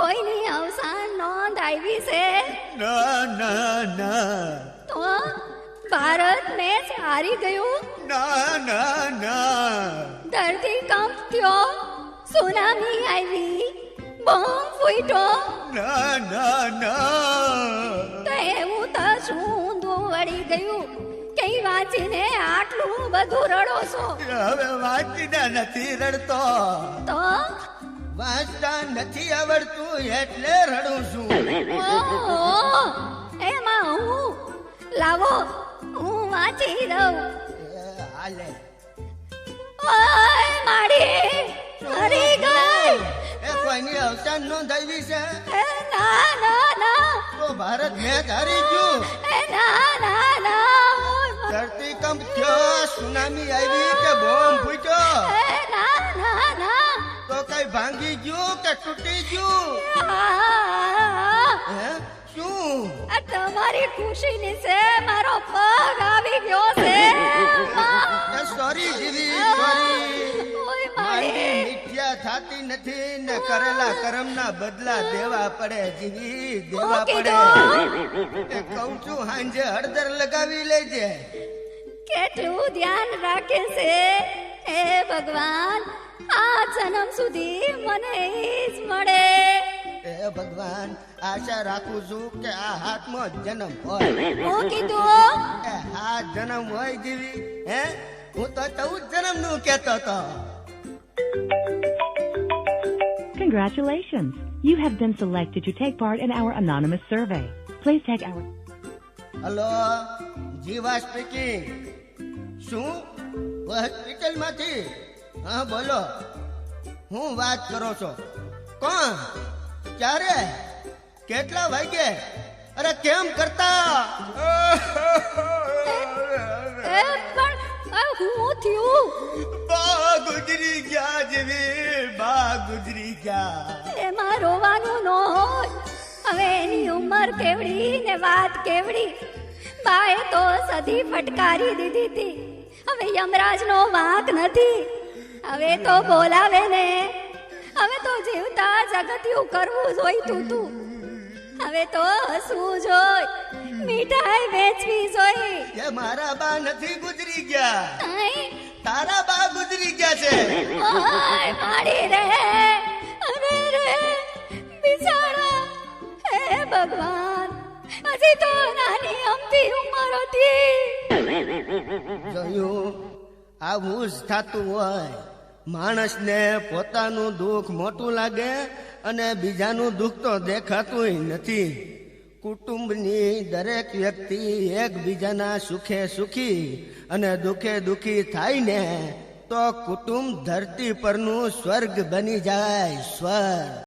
કોઈની અવસાન નોંધ આવી છે? ના ના ના તો ભારત મેચ હારી ગયું? ના ના ના ધરતીકંપ થયો, સુનામી આવી, બોમ્બ ફૂટ્યો, ના ના ના તો એવું તો શું ઊંધું વળી ગયું કે વાંચીને આટલું બધું રડો છો? હવે વાંચીને નથી રડતો, તો વાંચતા નથી આવડતું એટલે રડું છું. ઓહો, એમાં હું લાવો હું વાંચી દઉં. હાલે ઓય માડી મરી ગઈ. એ કોઈની અવસાન નોંધાવી છે એ ના ના ના, તો ભારત મેચ હારી ગયું. એ ના ના ના, ધરતીકંપ થયો, સુનામી આવી કે બોમ્બ ફૂટ્યો? એ ના ના ના, તો કઈ ભાંગી ગયું કે તૂટી ગયું? હે શું? આ તમારી ખુશીની છે મારો પગ આવી ગયો છે. સોરી જીવી સોરી. ઓય માંડી માડી, મિથ્યા થાતી નથી ને કરેલા કર્મના બદલા દેવા પડે જીવી, દેવા પડે. એ કહું છું હાંજે હળદર લગાવી લેજે. કેટલું ધ્યાન રાખે છે હે ભગવાન, આ જન્મ સુધી મને ઈ જ મળે. એ ભગવાન, આશા રાખું છું કે આ હાથમો જન્મ હોય. હું કીધું એ આ જન્મ હોય જીવી. હે હું તો 14 જન્મ નું કેતો તો. Congratulations! You have been selected to take part in our anonymous survey. Please take our... hello, Jiva speaking. શું હોસ્પિટલ માંથી? હા બોલો, હું વાત કરો છો? કોણ? ક્યારે? કેટલા વાગે? અરે કેમ કરતા? એ પણ આ હું થયું? બા ગુજરી ગયા જેવી, બા ગુજરી ગયા. એમાં રોવાનું ન હોય. હવે એની ઉંમર કેવડી ને વાત કેવડી. બાએ તો સદી ફટકારી દીધી હતી. હવે યમરાજનો વાંક નથી. હવે તો બોલાવે ને. હવે તો જીવતા જગતિયું કરવું જોઈતું તું. હવે તો હસવું જોઈ, મીઠાઈ વેચવી જોઈ. એ મારા બા નથી ગુજરી ગયા, આઈ, તારા બા ગુજરી ગયા છે. ઓય માડી રે, અરે રે બિચારા. હે ભગવાન, હજી તો નાની અમથી ઉંમર હતી. જોયું, આવું જ થતું હોય. માણસને પોતાનું દુઃખ મોટું લાગે અને બીજાનું દુઃખ તો દેખાતું નથી. કુટુંબની દરેક વ્યક્તિ એકબીજાના સુખે સુખી અને દુઃખે દુઃખી થાય ને તો કુટુંબ ધરતી પરનું સ્વર્ગ બની જાય. સ્વર્ગ.